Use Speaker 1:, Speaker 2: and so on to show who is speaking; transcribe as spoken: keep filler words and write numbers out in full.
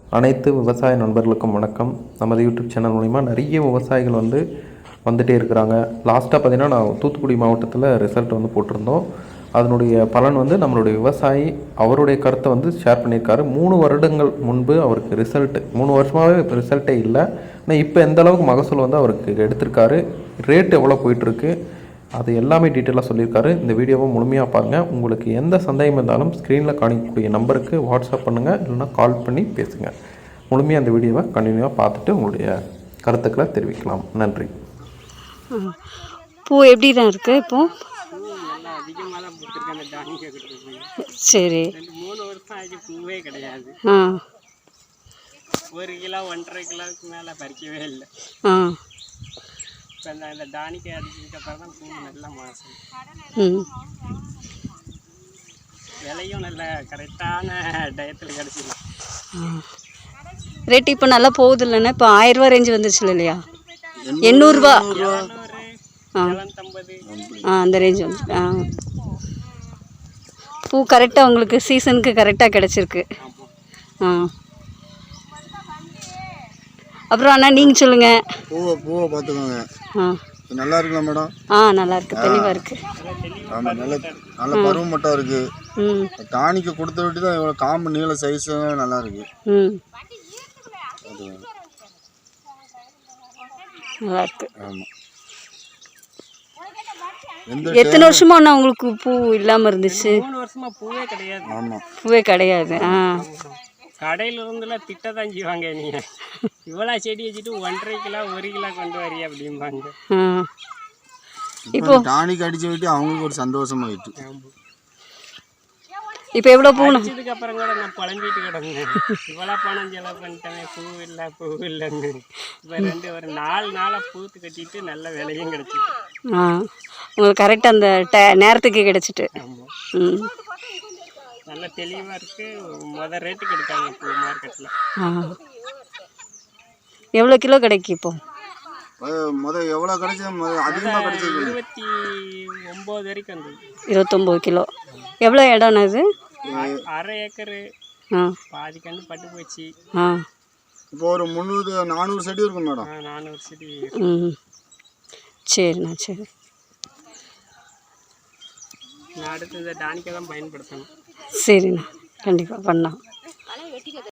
Speaker 1: அனைத்து விவசாய நண்பர்களுக்கும் வணக்கம். நமது யூடியூப் சேனல் மூலிமா நிறைய விவசாயிகள் வந்து வந்துகிட்டே இருக்கிறாங்க. லாஸ்ட்டாக பார்த்திங்கன்னா நான் தூத்துக்குடி மாவட்டத்தில் ரிசல்ட் வந்து போட்டிருந்தோம். அதனுடைய பலன் வந்து நம்மளுடைய விவசாயி அவருடைய கருத்தை வந்து ஷேர் பண்ணியிருக்காரு. மூணு வருடங்கள் முன்பு அவருக்கு ரிசல்ட்டு மூணு வருஷமாகவே இப்போ ரிசல்ட்டே இல்லை. ஆனால் இப்போ எந்த அளவுக்கு மகசூல் வந்து அவருக்கு எடுத்திருக்காரு, ரேட் எவ்வளோ போயிட்டுருக்கு, அது எல்லாமே டீட்டெயிலாக சொல்லியிருக்காரு. இந்த வீடியோவை முழுமையாக பாருங்கள். உங்களுக்கு எந்த சந்தேகம் இருந்தாலும் ஸ்க்ரீனில் காணிக்கக்கூடிய நம்பருக்கு வாட்ஸ்அப் பண்ணுங்கள், இல்லைனா கால் பண்ணி பேசுங்க. முழுமையாக அந்த வீடியோவை கண்டினியூவாக பார்த்துட்டு உங்களுடைய கருத்துக்களை தெரிவிக்கலாம். நன்றி.
Speaker 2: பூ எப்படி தான் இருக்குது இப்போ? சரி.
Speaker 3: மூணு வருஷம் ஆச்சு, பூவே கிடையாது.
Speaker 2: ஆ
Speaker 3: ஒரு கிலோ ஒன்றரை கிலோவுக்கு மேலே பறிக்கவே இல்லை.
Speaker 2: ஆ
Speaker 3: இப்போ இந்த இந்த டானிக்கை அடிச்சதுக்கு அப்புறம் தான் பூ நல்லா மாசம்.
Speaker 2: ம்
Speaker 3: விலையும் நல்ல கரெக்டான டயத்தில் கிடச்சிடும்.
Speaker 2: ரேட் இப்போ நல்லா போகுது இல்லைன்னா? இப்போ ஆயிரரூவா ரேஞ்சு வந்துருச்சு இல்லையா? எண்ணூறுரூவா ஆ
Speaker 3: எழுநூத்தம்பது
Speaker 2: ஆ அந்த ரேஞ்ச் வந்து ஆ பூ கரெக்டாக உங்களுக்கு சீசனுக்கு கரெக்டாக கிடச்சிருக்கு. ஆ அப்புறம் அண்ணா நீங்கள் சொல்லுங்கள்.
Speaker 4: பூவை பூவை பார்த்துக்கோங்க.
Speaker 2: ஆ
Speaker 4: நல்லா இருக்குல்ல மேடம்?
Speaker 2: ஆ நல்லா இருக்குது, தெளிவாக இருக்குது.
Speaker 4: ஆமாம், நல்ல நல்ல பருவம் மட்டும் இருக்குது.
Speaker 2: ம்
Speaker 4: டானிக்கு கொடுத்த விட்டு தான் இவ்வளோ காம்பு நீள சைஸ் நல்லா இருக்கு.
Speaker 2: ம் நல்லா இருக்கு.
Speaker 4: ஆமாம்.
Speaker 2: எத்தனை வருஷமா அண்ணா உங்களுக்கு பூ இல்லாமல் இருந்துச்சு?
Speaker 3: மூணு வருஷமா பூவே கிடையாது.
Speaker 4: ஆமாம்,
Speaker 2: பூவே கிடையாது. ஆ
Speaker 3: கடையில் இருந்துலாம் திட்ட தான் செய்வாங்க, நீங்கள் இவ்வளோ செடி வச்சுட்டு ஒன்றரை கிலோ ஒரு கிலோ கொண்டு வரி அப்படிம்பாங்க.
Speaker 2: ஆ
Speaker 4: இப்போ டானிக் அடிச்சு விட்டு அவங்களுக்கு ஒரு சந்தோஷமாயிட்டு.
Speaker 2: இப்போ எவ்வளோ பூ?
Speaker 3: இதுக்கு அப்புறம் கூட நான் புலம்பிட்டு கிடந்தேன், இவ்வளோ பணம் செலவு பண்ணிட்டேன், பூ இல்லை பூ இல்லைன்னு. இப்போ ரெண்டு ஒரு நாலு நாளாக பூத்து கட்டிட்டு நல்ல விலையும் கிடச்சிட்டு.
Speaker 2: ஆ உங்களுக்கு கரெக்டாக அந்த ட நேரத்துக்கு கிடச்சிட்டு.
Speaker 3: ஆமாம்,
Speaker 2: ம்
Speaker 3: நல்ல தெளிவாக இருக்குது. மொதல் ரேட்டுக்கு எடுக்காங்க பூ மார்க்கெட்டில்.
Speaker 2: ஆ எவ்வளோ கிலோ கிடைக்கும் இப்போ?
Speaker 4: முதல் எவ்வளோ கிடைச்சது? முதல் அதிகமாக கிடைச்சது
Speaker 3: இருபத்தி ஒம்பது வரைக்கும் வந்தது.
Speaker 2: இருபத்தொம்போது கிலோ. எவ்வளோ இடம்னா இது?
Speaker 3: அரை ஏக்கரு.
Speaker 2: ஆ
Speaker 3: பாதி கண்டு பட்டு போச்சு.
Speaker 2: ஆ
Speaker 4: இப்போ ஒரு முந்நூறு நானூறு செடி இருக்கும் மேடம்.
Speaker 3: நானூறு செடி.
Speaker 2: ம் சரிண்ணா, சரி.
Speaker 3: நான் அடுத்து இந்த டானிக்கை தான் பயன்படுத்தணும்.
Speaker 2: சரிண்ணா, கண்டிப்பாக பண்ணலாம்.